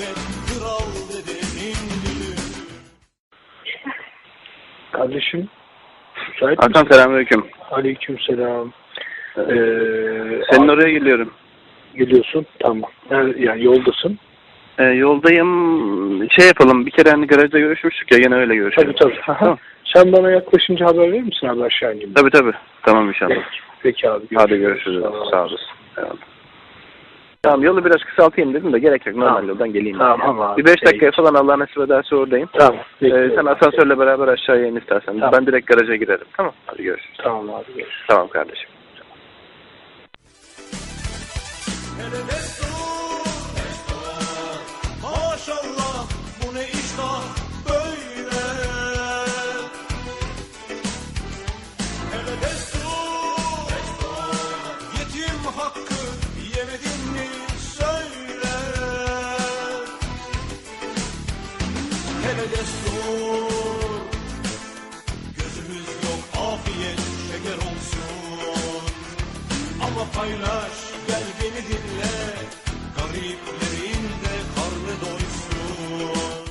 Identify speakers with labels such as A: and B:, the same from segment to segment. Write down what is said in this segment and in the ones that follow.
A: elbet kral dedemin düğünü.
B: Kardeşim, müsait
C: Hakan
B: misin?
C: selamünaleyküm.
B: Aleykümselam.
C: Senin oraya geliyorum.
B: Geliyorsun, tamam. Yani yoldasın.
C: Yoldayım. Şey yapalım. Bir kere hani garajda görüşmüştük ya. Yine öyle görüşelim.
B: Tabii.
C: Tamam.
B: Sen bana yaklaşınca haber verir misin abi, aşağı ineyim?
C: Tabii. Tamam inşallah.
B: Peki abi.
C: Hadi görüşürüz. Sağ olasın. Tamam, yolu biraz kısaltayım dedim de gerek yok. Normal yoldan geleyim.
B: Tamam abi.
C: Bir 5 dakikaya falan Allah nasip ederse oradayım.
B: Tamam.
C: Sen asansörle beraber aşağıya in istersen.
B: Tamam.
C: Ben direkt garaja girerim. Tamam. Hadi görüşürüz.
B: Tamam abi, görüşürüz.
C: Tamam kardeşim.
A: Hele destur, maşallah bu ne iştah böyle. Hele destur, yetim hakkı yemedin mi söyle. Hele destur, gözümüz yok afiyet şeker olsun. Ama paylaş, gel beni dinle, gariplerin de karnı doysun.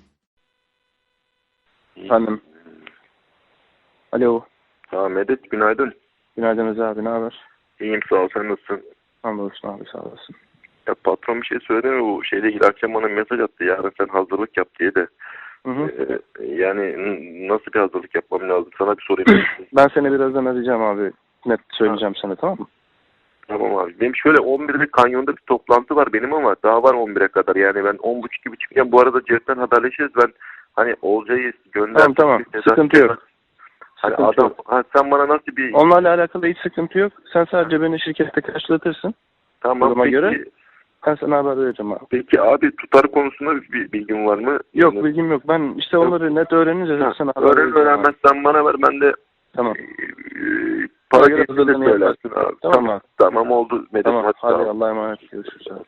C: Efendim. Alo.
D: Ha Medet, günaydın.
C: Günaydın Rıza abi. Ne haber?
D: İyiyim, sağ ol, sen nasılsın?
C: Hamdolsun abi, sağ olasın.
D: Ya patron bir şey söyledi mi, bu şeyle ilgili akşam bana mesaj attı, yarın sen hazırlık yap diye de. Yani nasıl bir hazırlık yapmam lazım, sana bir sorayım.
C: Ben seni birazdan arayacağım abi. Net söyleyeceğim sana, tamam mı?
D: Tamam abi. Benim şöyle 11'de kanyonda bir toplantı var benim ama daha var 11'e kadar. Yani ben 10.30 gibi çıkacağım. Bu arada Cep'ten haberleşiriz. Ben hani Olcay'ı gönder.
C: Tamam. Sıkıntı yok.
D: Hani
C: Sıkıntı
D: adam,
C: yok.
D: sen bana nasıl bir...
C: Onlarla alakalı hiç sıkıntı yok. Sen sadece beni şirkette karşılatırsın.
D: Tamam,
C: duruma
D: peki,
C: göre ben sana haber vereceğim abi.
D: Peki abi, tutar konusunda bir bilgin var mı?
C: Yok, bilgim yok. Ben işte onları net öğrenince sana haber vereceğim.
D: Öğrenmezsen bana ver, ben de
C: Tamam.
D: para
C: göre
D: geçti de
C: hazırlığını
D: söylersin abi.
C: Tamam abi.
D: Tamam oldu Medet.
C: Tamam. Hadi
D: sağ ol.
C: Allah'a emanet. Görüşürüz abi.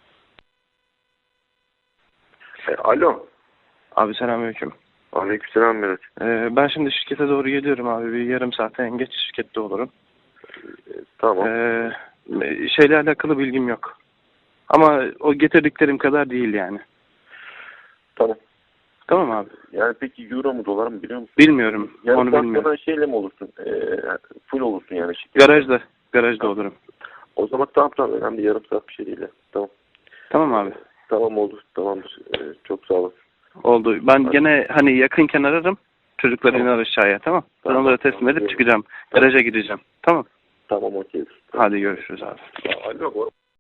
D: Alo.
C: Abi selamünaleyküm.
D: Aleykümselam Medet.
C: Ben şimdi şirkete doğru geliyorum abi. Bir yarım saate en geç şirkette olurum.
D: Tamam.
C: Şeyle alakalı bilgim yok. Ama o getirdiklerim kadar değil yani.
D: Tamam.
C: Tamam abi.
D: Yani peki euro mu dolar mı biliyor musun?
C: Bilmiyorum.
D: Yani
C: Onu bilmiyorum.
D: sonra şeyle mi olursun? Full olursun yani şirket.
C: Garajda olurum.
D: O zaman tamam, önemli, yarım saat bir şey değil. Tamam.
C: Tamam abi.
D: Tamam oldu. Tamamdır. Çok sağ olasın.
C: Oldu. Ben gene hani yakınken ararım. Çocuklar iner aşağıya, tamam. Ben
D: Tamam.
C: onları teslim edip çıkacağım. Garaja gideceğim. Tamam.
D: Tamam, okey.
C: Hadi görüşürüz abi.
D: Alo.